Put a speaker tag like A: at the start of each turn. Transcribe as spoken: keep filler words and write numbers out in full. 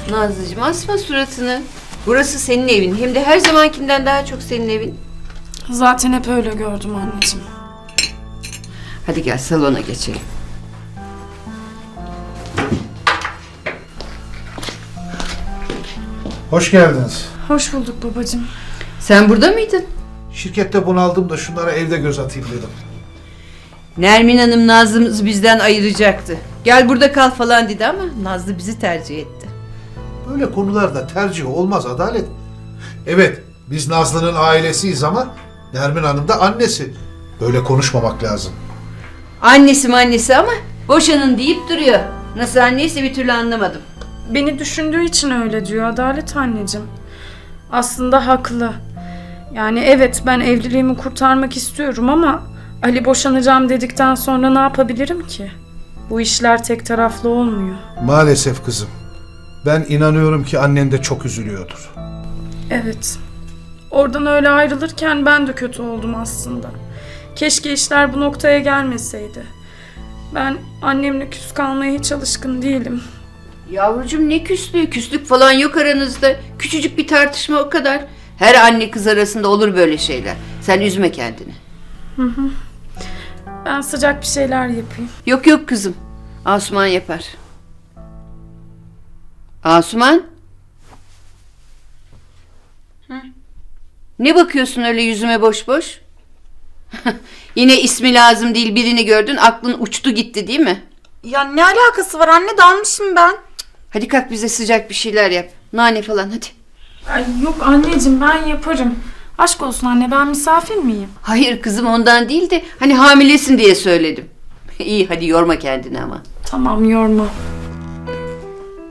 A: Nazlıcığım asma suratını. Burası senin evin. Hem de her zamankinden daha çok senin evin.
B: Zaten hep öyle gördüm anneciğim.
A: Hadi gel salona geçelim.
C: Hoş geldiniz.
B: Hoş bulduk babacığım.
A: Sen burada mıydın?
C: Şirkette bunaldım da şunlara evde göz atayım dedim.
A: Nermin Hanım Nazlı'mızı bizden ayıracaktı. Gel burada kal falan dedi ama Nazlı bizi tercih etti.
C: Böyle konularda tercih olmaz Adalet. Evet, biz Nazlı'nın ailesiyiz ama Nermin Hanım da annesi. Böyle konuşmamak lazım.
A: Annesi mi annesi ama boşanın deyip duruyor. Nasıl anneyse bir türlü anlamadım.
B: Beni düşündüğü için öyle diyor Adalet anneciğim. Aslında haklı. Yani evet ben evliliğimi kurtarmak istiyorum ama Ali boşanacağım dedikten sonra ne yapabilirim ki? Bu işler tek taraflı olmuyor.
C: Maalesef kızım. Ben inanıyorum ki annen de çok üzülüyordur.
B: Evet. Oradan öyle ayrılırken ben de kötü oldum aslında. Keşke işler bu noktaya gelmeseydi. Ben annemle küs kalmaya hiç alışkın değilim.
A: Yavrucuğum ne küslüğü? Küslük falan yok aranızda. Küçücük bir tartışma o kadar. Her anne kız arasında olur böyle şeyler. Sen üzme kendini.
B: Ben sıcak bir şeyler yapayım.
A: Yok yok kızım. Asuman yapar. Asuman? Hı? Ne bakıyorsun öyle yüzüme boş boş? Yine ismi lazım değil birini gördün aklın uçtu gitti değil mi?
D: Ya ne alakası var anne, dalmışım ben.
A: Hadi kalk bize sıcak bir şeyler yap. Nane falan hadi.
B: Ay yok anneciğim ben yaparım. Aşk olsun anne ben misafir miyim?
A: Hayır kızım ondan değil de hani hamilesin diye söyledim. İyi hadi yorma kendini ama.
B: Tamam yorma.